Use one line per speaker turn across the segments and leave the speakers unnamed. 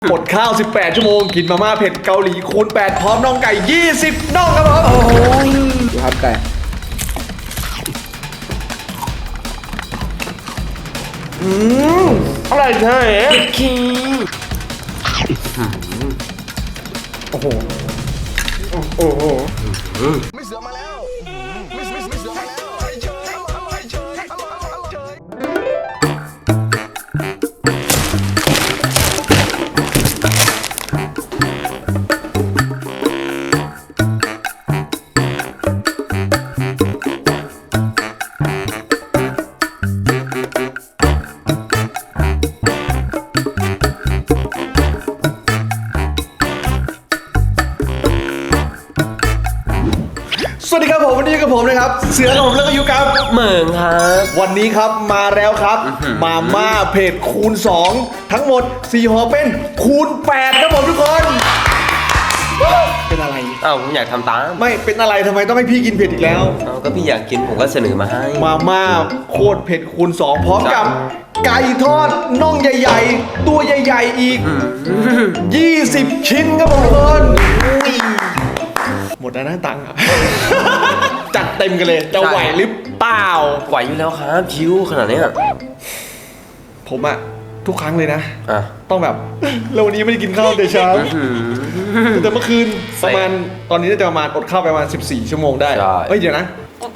อดข้าว18ชั่วโมงกินมาม่าเผ็ดเกาหลีคูณ8พร้อมน่องไก่20น่องครับผมโอ้ยดูครับไก่อะไรใช่คีโอ้โหโอ้โหไม่เสือมาแล้วไม่เสือมาแล้วสวัสดีครับผมวันนี้กับผมนะครับเสือกับผมแล้วก็อยู่กับ
เหมืองครับ
วันนี้ครับมาแล้วครับมาม่าเผ็ดคูณ2ทั้งหมด4ห่อเป็นคูณ8ครับผมทุกคนเป็นอะไร
อ้าวผมอยากทำตาม
ไม่เป็นอะไรทำไมต้องให้พี่กินเผ็ดอีกแล้ว
อ้าวก็พี่อยากกินผมก็เสนอมาให้
มาม่าโคตรเผ็ดคูณ2พร้อมกับไก่ทอดน่องใหญ่ๆตัวใหญ่ๆอีก20ชิ้นครับผมทุกคนหมดแล้วนะตังค์อ่ะ จัดเต็มกันเลยจะไหวหรือเปล่า
ไหวอยู่แล้วครับชิวขนาดนี้
ผมอะทุกครั้งเลยนะต้องแบบเราวันนี้ไม่ได้กินข้าวแต่เช้าแต่เมื่อคืนประมาณตอนนี้น่าจะประมาณอดข้าวประมาณ14ชั่วโมงได้เฮ้ยเดี๋ยวนะ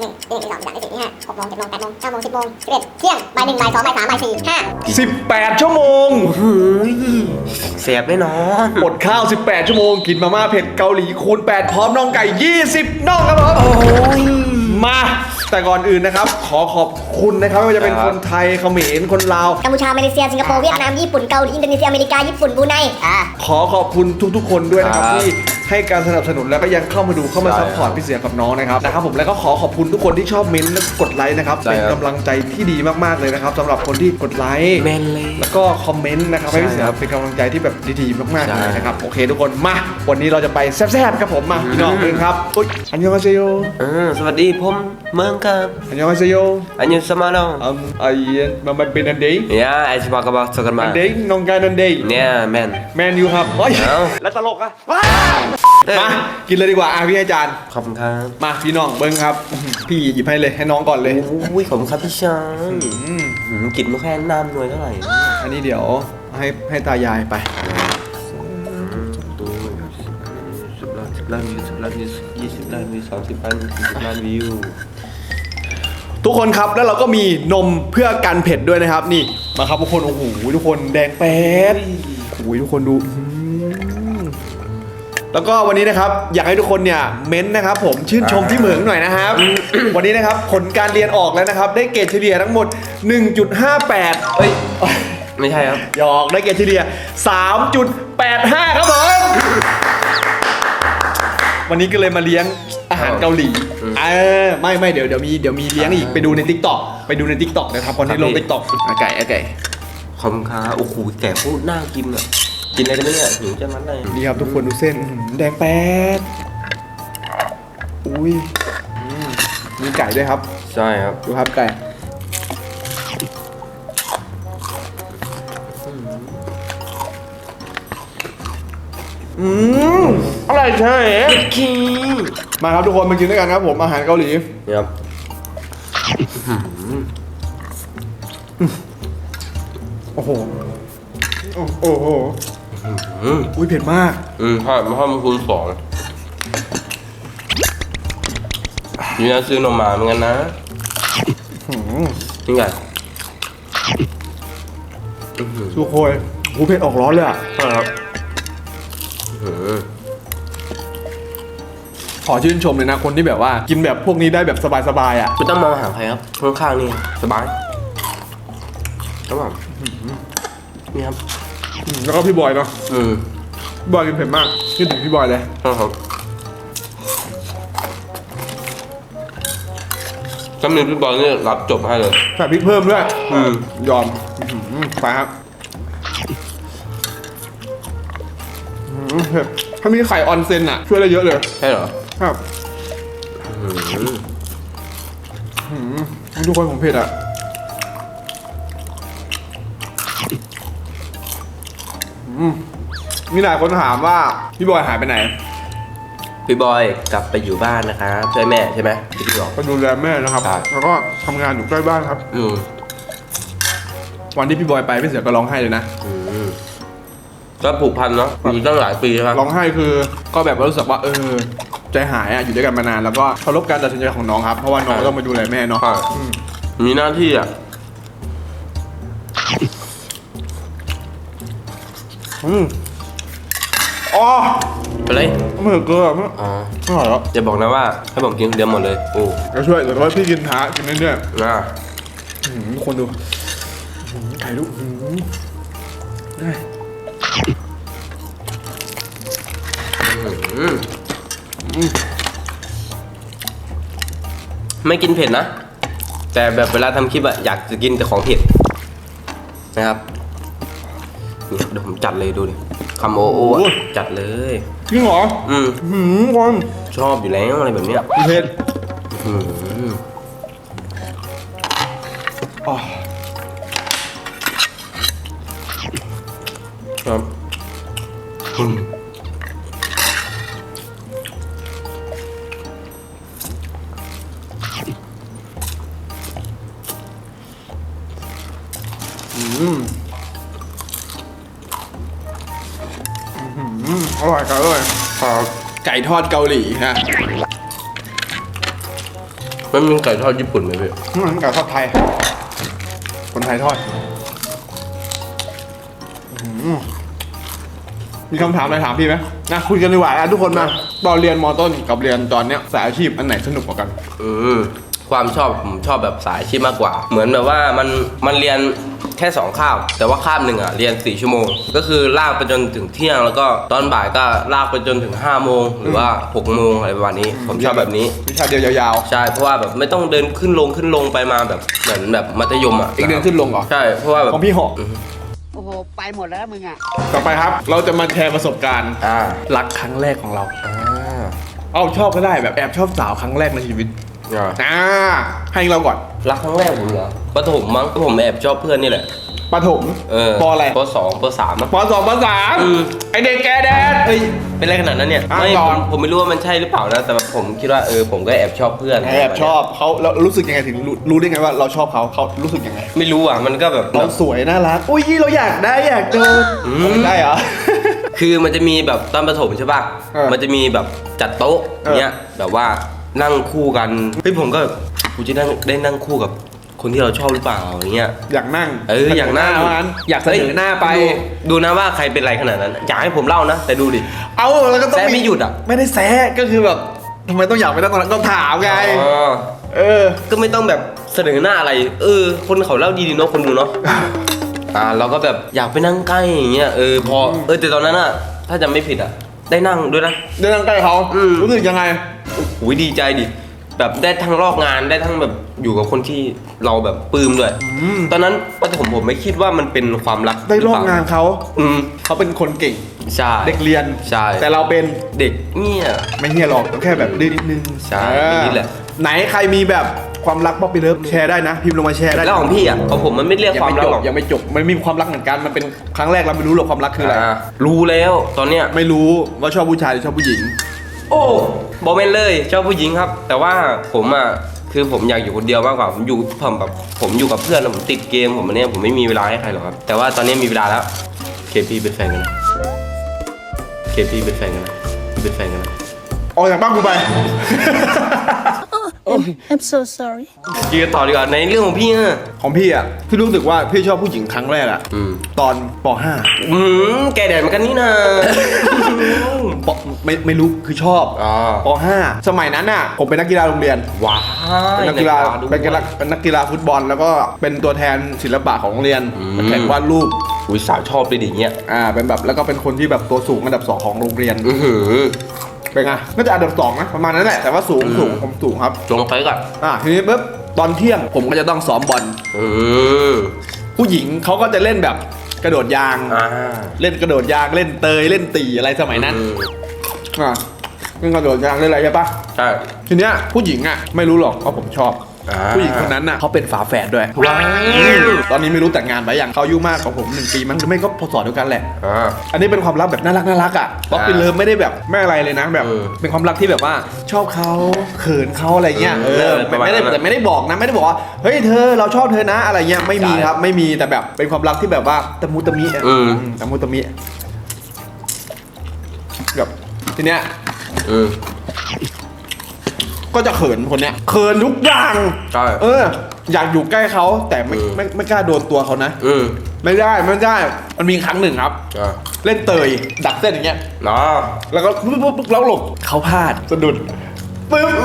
18ชั่วโมง
เสียบแน่นอน
อดข้าว18ชั่วโมงกินมาม่าเผ็ดเกาหลีคูณ8พร้อมน่องไก่20น่องครับผมมาแต่ก่อนอื่นนะครับขอขอบคุณนะครับไม่ว่าจะเป็นคนไทยเขมรคนลาว
กัมพูชามาเลเซียสิงคโปร์เวียดนามญี่ปุ่นเกาหลีอินโดนีเซียอเมริกาญี่ปุ่นบรูไน
ขอขอบคุณทุกๆคนด้วยนะครับที่ให้การสนับสนุนแล้วก็ยังเข้ามาดูเข้ามาซัพพอร์ตพี่เสือกับน้องนะครับผมแล้วก็ขอขอบคุณทุกคนที่ชอบเม้นต์และกดไลค์นะครับเป็นกำลังใจที่ดีมากๆเลยนะครับสำหรับคนที่กดไลค์แล้วก็คอมเมนต์นะครับให้พี่เสือเป็นกำลังใจที่แบบดีๆมากๆเลยนะครับโอเคทุกคนมาวันนี้เราจะไปแซ่บๆครับผมมาพี่น้องเลยครับอันยองอาเซโย
สวัสดีผมเมืองครับ
อันยองอาเซโย
อันยองสมาโน
ไอ้มันเป็นอันเดย์
ไอ้สมากับสกันมา
อันเดย์น้องการอันเดย์
เนี่ยแมน
อยู่ครับแล้วตลกอะมากินเลยดีกว่าพี่ให้จาน
ขอบคุณครับ
มาพี่น้องเบิ้งครับพี่หยิบให้เลยให้น้องก่อนเลย
อุ้ยขอบคุณครับพี่ชายกินไม่แค่น้ำหน่วยเท่าไหร่
อันนี้เดี๋ยวให้ตายายไป
10 ล้านวิว10 ล้านวิว20 ล้านวิว30 ล้านวิว40 ล้านวิว
ทุกคนครับแล้วเราก็มีนมเพื่อกันเผ็ดด้วยนะครับนี่มาครับทุกคนโอ้โหทุกคนแดงแป๊ดโอ้โหทุกคนดูแล้วก็วันนี้นะครับอยากให้ทุกคนเนี่ยเม้นนะครับผมชื่นชมที่เหมืองหน่อยนะครับวันนี้นะครับผลการเรียนออกแล้วนะครับได้เกรดเฉลี่ยทั้งหมด 1.58
เฮ้ยไม่ใช่ครับ
หยอกได้เกรดเฉลี่ย 3.85 ครับผมวันนี้ก็เลยมาเลี้ยงอาหารเกาหลีไม่เดี๋ยวมีเลี้ยงอีกไปดูใน TikTok ไปดูใน TikTok นะครับคนที่ลง TikTok ไก่
ขอบคุณครับโอ้โหแก่พูดน่ากินอ่ะกินอะไรกันเนี่ยหิวจะมันเลย
นี่ครับทุกคนดูเส้นแดงแป๊ดอุ้ยมีไก่ด้วยครับ
ใช่ครับ
ดูครับไก่อะไรใช่มาครับทุกคนมากินด้วยกันครับผมอาหารเกาหลี
ครับ
โอ้โหอุ้ยเผ็ดมาก
ถ้ามันคูณ2นี่นะซื้อนมมาเหมือนกันนะนี่ไง
ทุกคนหูเผ็ดออกร้อนเลยอ่ะ
ครับ
ขอชื่นชมเลยนะคนที่แบบว่ากินแบบพวกนี้ได้แบบสบายๆอ่ะ
ไม่ต้องมองหาใครครับข้างๆนี่สบายครับผมนี่ครับ
แล้วก็พี่บอยเนาะบอยกินเผ็ดมากคิดถึงพี่บอยเลย
ครับถ้ามีพี่บอยนี่รับจบให้เลย
ใส่พริกเพิ่มด้วยยอมไปครับถ้ามีไข่ออนเซ็นอ่ะช่วยได้เยอะเลย
ใช่เหรอ
ครับทุกคนผมเผ็ดอ่ะ อมีหลายคนถามว่าพี่บอยหายไปไหน
พี่บอยกลับไปอยู่บ้านนะครับช่วยแม่ใช่ไหมที่พี่บอก
ก็ดูแลแม่นะครับ
ครับ
แล้วก็ทำงานอยู่ใกล้บ้านครับ วันที่พี่บอยไปพี่เสือก็ร้องไห้เลยนะ
ก็ผูกพันเนาะอยู่ตั้งหลายปีครับ
ร้องไห้คือก็แบบรู้สึกว่าใจหายอยู่ด้วยกันมานานแล้วก็เคารพการตัดสินใจของน้องครับเพราะว่าน้องก็ต้องมาดูแลแม่เนาะ
ใช่มีหน้าที่อ่ะ
อ๋อ
ไปเลย
ไม่เหลือเกลือไม่
อ๋อ
อร่อยแล้ว
อย่าบอกนะว่าให้ผมกินคนเดียวหมดเลยโอ้
เดี๋ยวช่วยเดี๋ยวว่าพี่กินท้ากินเรื่อย
น่า
ทุกคนดูไข่ลูก
ไม่กินเผ็ดนะ แต่แบบเวลาทำคลิปอะอยากจะกินแต่ของเผ็ดนะครับนี่เดี๋ยวผมจัดเลยดูดิคำโอโออะจัดเลย
จริงเหรอ คน
ชอบอยู่แล้วอะไรแบบเนี้ย
เผ็ด
อืม
อ๋อ
ครับอืม
อร่อยครับอร่อย
ครับ
ไก่ทอดเกาหลีฮะ
มันมีไก่ทอดญี่ปุ่นไหมพี่
ไก่ทอดไทย คนไทยทอดมีคำถามอะไรถามพี่ไหมนะคุยกันดีกว่าทุกคนมาตอนเรียนมต้นกับเรียนตอนเนี้ยสายอาชีพอันไหนสนุกกว่ากัน
ความชอบผมชอบแบบสายอาชีพมากกว่า เหมือนแบบว่ามันเรียนแค่2คาบแต่ว่าคาบหนึ่งอะเรียน4ชั่วโมงก็คือลากไปจนถึงเที่ยงแล้วก็ตอนบ่ายก็ลากไปจนถึง5โมงหรือว่า6โมงอะไรประมาณนี้ ผมชอบแบบนี้
วิชาเดียวยาว
ใช่เพราะว่าแบบไม่ต้องเดินขึ้นลงไปมาแบบเหมือนแบบมัธยมอะ
อีกเดือนขึ้นลงเหรอ
ใช่เพราะว่าแบบ
ของพี่หก
โอ้โห ไปหมดแล้วมึงอ่ะ
ต่อไปครับ เราจะมาแชร์ประสบการณ์
อ่า
รักครั้งแรกของเรา
อ่า
เอาชอบก็ได้แบบแอบชอบสาวครั้งแรกในชีวิต
อ่า
ให้เราก่อน
รักครั้งแรกผมเหรอประถมมั้งผมแอบชอบเพื่อนนี่แหละ
ประถม ปอะไร
ป2ป3มั้ง
ปสองปสาม
อืม
ไอเด็กแกแดด
เฮ้ยเป็นอะไรขนาดนั้นเนี่ย
อ่ะ
ไม่
ต่อ
ผมไม่รู้ว่ามันใช่หรือเปล่านะแต่แบบผมคิดว่าผมก็แอบชอบเพื่อน
แอบชอบเขาแล้วรู้สึกยังไงถึงรู้ได้ไงว่าเราชอบเขารู้สึกยังไง
ไม่รู้อ่ะมันก็แบบ
เราสวยน่ารักอุ้ยเราอยากได้อยากเจอได้เหรอ
คือมันจะมีแบบตอนประถมใช่ป่ะ มันจะมีแบบจัดโต๊ะเนี้ยแบบว่านั่งคู่กันเฮ้ยผมก็กูจะได้นั่งคู่กับคนที่เราชอบหรือเปล่าอย่างเงี้ย
อยากนั่ง
อยากนั่ง
อยากเสนอหน้าไป
ดูนะว่าใครเป็นไรขนาดนั้นอยากให้ผมเล่านะแต่ดูดิ
เอาแล้วก็ต้อง
แซะไม่หยุดอ่ะ
ไม่ได้แซะก็คือแบบทำไมต้องอยากไปนั่งตรงนั้นต้องถามไง
อ๋อ
อ
ก็ไม่ต้องแบบเสนอหน้าอะไร คนเขาเล่าดีๆเนาะคนดูเนาะ เราก็แบบอยากไปนั่งใกล้อย่างเงี้ยพอแต่ตอนนั้นอะถ้าจำไม่ผิดอะได้นั่งด้วยนะ
ได้นั่งใกล้เขา รู้สึกยังไง
โอ้ยดีใจดิแบบได้ทั้งลอกงานได้ทั้งแบบอยู่กับคนที่เราแบบปลื้มด้วยตอนนั้นประถมผมไม่คิดว่ามันเป็นความรัก
ได้ร่วมงานเขา
อืม
เขาเป็นคนเก่ง
ใช่
เด็กเรียน
ใช่
แต่เราเป็น
เด็กเนี่ย
ไม่เฮียหรอกแค่แบบดื้อนิดนึง
ใช่นี่แหละ
ไหนใครมีแบบความรักป๊อปปี้เลิฟแชร์ได้นะ พิมพ์ลงมาแชร์ได้
แล้วของพี่อะของผมมันไม่เรียกความรักหรอก
ยังไม่จบมันมีความรักเหมือนกันมันเป็นครั้งแรกเราไม่รู้หรอกความรักคืออะไร
รู้แล้วตอนเนี้ย
ไม่รู้ว่าชอบผู้ชายหรือชอบผู้หญิง
โอ้บอกไม่นเลยชอบผู้หญิงครับ แต่ว่าผมอ่ะคือผมอยากอยู่คนเดียวมากกว่าผมอยู่กับเพื่อนแล้วผมติดเกมผมอันเนี้ยผมไม่มีเวลาให้ใครหรอกครับแต่ว่าตอนนี้มีเวลาแล้วเคพีเป็นแฟนกันนะเคพีเป็นแฟนกันนะเป็นแฟนกันนะ
ออกจากบ้านกูไป
I'm so sorry.
ยืนต่อดีกว่าในเรื่องของพี่อะ
ของพี่อ่ะพี่รู้สึกว่าพี่ชอบผู้หญิงครั้งแรกอ่ะตอนป
แกแดดเหมือนกันนี่นะ
.5 ปไม่รู้คือชอบ
อ๋อ
ป .5 สมัยนั้นอ่ะผมเป็นนักกีฬาโรงเรียน
ว้า
เป็นนักกีฬาเป็นนักกีฬาฟุตบอล แล้วก็เป็นตัวแทนศิลปะของโรงเรียนมาแข่งวาดรูป
อุ้ยสาวชอบเลยดิเงี้ย
เป็นแบบแล้วก็เป็นคนที่แบบตัวสูงอันดับ2ของโรงเรียน เป็นไงน่าจะอันดับ2นะประมาณนั้นแหละแต่ว่าสูงผมสูงครับ
ลงไปก่อน
ทีนี้ปุ๊บตอนเที่ยงผมก็จะต้องซ้อมบอลผู้หญิงเขาก็จะเล่นแบบกระโดดยาง เล่นกระโดดยางเล่นเตยเล่นตีอะไรสมัยนั้นเล่นกระโดดยางเล่นอะไรใช่ปะ
ใช่
ทีเนี้ยผู้หญิงอ่ะไม่รู้หรอกว่าผมชอบผู้หญิงคนนั้นน่ะเขาเป็นฝาแฝดด้วย
ว้าว
ตอนนี้ไม่รู้แต่งงานไปยังเขาอายุมากกว่าผม1 ปีมั้งหรือไม่ก็พศเดียวกันแหละ
อ่า
อันนี้เป็นความรักแบบน่ารักอ่ะป๊อปปี้เลิฟไม่ได้แบบไม่อะไรเลยนะแบบ เป็นความรักที่แบบว่าชอบเขาเขินเขาอะไรเงี้ยไม่ได้แต่ไม่ได้บอกนะไม่ได้บอกว่าเฮ้ยเธอเราชอบเธอนะอะไรเงี้ยไม่มีครับไม่มีแต่แบบเป็นความรักที่แบบว่าตะมุตะมิตะมุตะมิแบบทีเนี้ยก็จะเขินคนเนี้ยเขินทุกอย่าง
ใช่
อยากอยู่ใกล้เขาแต่ไม่กล้าโดนตัวเขานะไม่ได้มันมีครั้งหนึ่งครับ เล่นเตยดักเส้นอย่างเงี้ย
เนาะ
แล้วก็ปุ๊บแล้วหลบเขาพลาดสะดุดปึ๊บ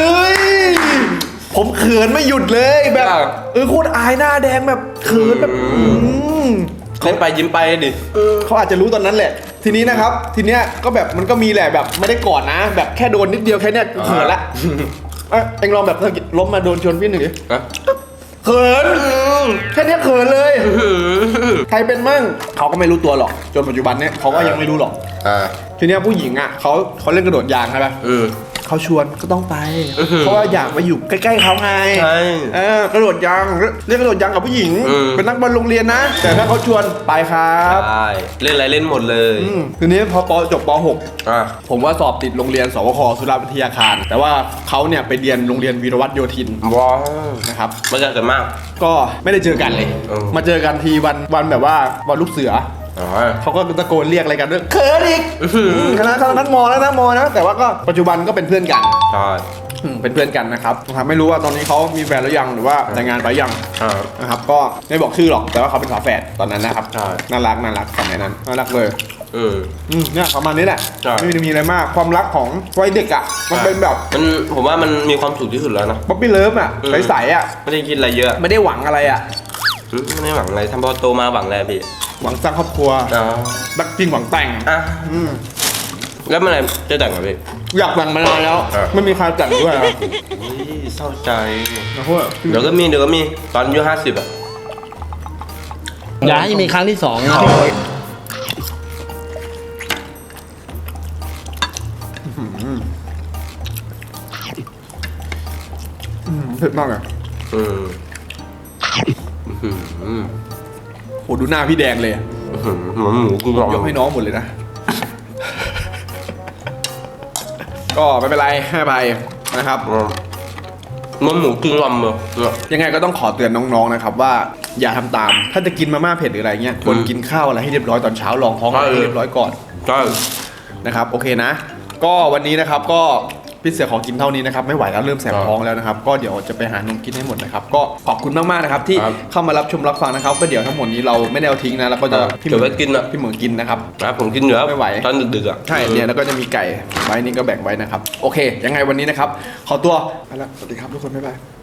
ผมเขินไม่หยุดเลยแบบโคตรอายหน้าแดงแบบเขินแบบ
เล่นไปยิ้มไปดิ
เขาอาจจะรู้ตอนนั้นแหละ ทีนี้นะครับทีเนี้ยก็แบบมันก็มีแหละแบบไม่ได้กอดนะ แบบแค่โดนนิดเดียวแค่เนี้ยเขินละเอ็งลองแบบล้มมาโดนชนพี่หนึ่งดิเขินแค่เนี้ยเขินเลยใครเป็นมั่งเขาก็ไม่รู้ตัวหรอกจนปัจจุบันเนี้ยเขาก็ยังไม่รู้หรอกทีเนี้ยผู้หญิงอ่ะเขาเล่นกระโดดยางใช่ไหมเขาชวนก็ต้องไปเพราะว่าอยากไปอยู่ใกล้ๆเขาไงกระโดดยางเล่นกระโดดยางกับผู้หญิงเป็นนักบอลโรงเรียนนะแต่ถ้าเขาชวนไปครับ
ใช่เล่นอะไรเล่นหมดเลย
ทีนี้พอจบป .6 ผมว่าสอบติดโรงเรียนสวคสุราวิทยาคารแต่ว่าเขาเนี่ยไปเรียนโรงเรียนวีรวัตรโยธิน
ว้าว
นะครับ
ไม่เจอกันมาก
ก็ไม่ได้เจอกันเลย มาเจอกันทีวันแบบว่าวันลูกเสือเขาก็ตะโกนเรียกอะไรกันด้วยเขินอีกคณะนั้นมอแล้วนะมอนะแต่ว่าก็ปัจจุบันก็เป็นเพื่อนกัน
ใช่
เป็นเพื่อนกันนะครับไม่รู้ว่าตอนนี้เขามีแฟนหรือยังหรือว่าแต่งงานไปยังนะครับก็ไม่บอกชื่อหรอกแต่ว่าเขาเป็นฝาแฝดตอนนั้นนะครับน่ารักสมัยนั้นน่ารักเลยเนี่ยประมาณนี้แหละไม่ได้มีอะไรมากความรักของวัยเด็กอ่ะมันเป็นแบบ
ผมว่ามันมีความสุขที่สุดแล้วนะ
ป๊อปปี้เลิฟอ่ะใสๆอ่ะ
ไม่ได้คิดอะไรเยอะ
ไม่ได้หวังอะไรอ่ะ
ไม่ได้หวังอะไรทำพอโตมาหวังอะไรพี่
หวังสร้างครอบครัวรักจริงหวังแต่ง
แล้วเมื่อไหร่จะแต่งกับพี่
อยากแต่งมานานแล้วไม่มีใครแต่งด้วยครับ
เศร้าใจ
นะพวก
เดี๋ยวก็มีตอนอายุ50อ่ะ
อย่าให้มีครั้งที่สองนะ
เผ็ดมากอ่ะโหดูหน้าพี่แดงเลย
หมูกูลอง
ยกให้น้องหมดเลยนะ ก็ไม่เป็นไรให้อภัยนะครับ
มันหมูกึ่งลำเลย
ยังไงก็ต้องขอเตือนน้องๆนะครับว่าอย่าทำตาม ถ้าจะกินมาม่าเผ็ดหรืออะไรเงี้ยควรกินข้าวอะไรให้เรียบร้อยตอนเช้าลองท้องอะไรให้เรียบร้อยก่อน
ใช่
นะครับโอเคนะ ก็วันนี้นะครับก็พี่เสือขอกินเท่านี้นะครับไม่ไหวแล้วเริ่มแสบท้องแล้วนะครับก็เดี๋ยวจะไปหานมกินให้หมดนะครับก็ขอบคุณมากๆนะครับที่เข้ามารับชมรับฟังนะครับก็เดี๋ยวทั้งหมดนี้เราไม่ได้เอาทิ้งนะแล้วก็จะ
เดี๋ยวไปกินอ่ะ
พี่เหมือนกินนะครับ
นะผมกินอยู่แล้ว
ไม่ไหว
ตอนดึกๆอ่ะ
ใช่เนี่ยแล้วก็จะมีไก่ไว้นี่ก็แบ่งไว้นะครับโอเคยังไงวันนี้นะครับขอตัวไปละสวัสดีครับทุกคนบ๊ายบาย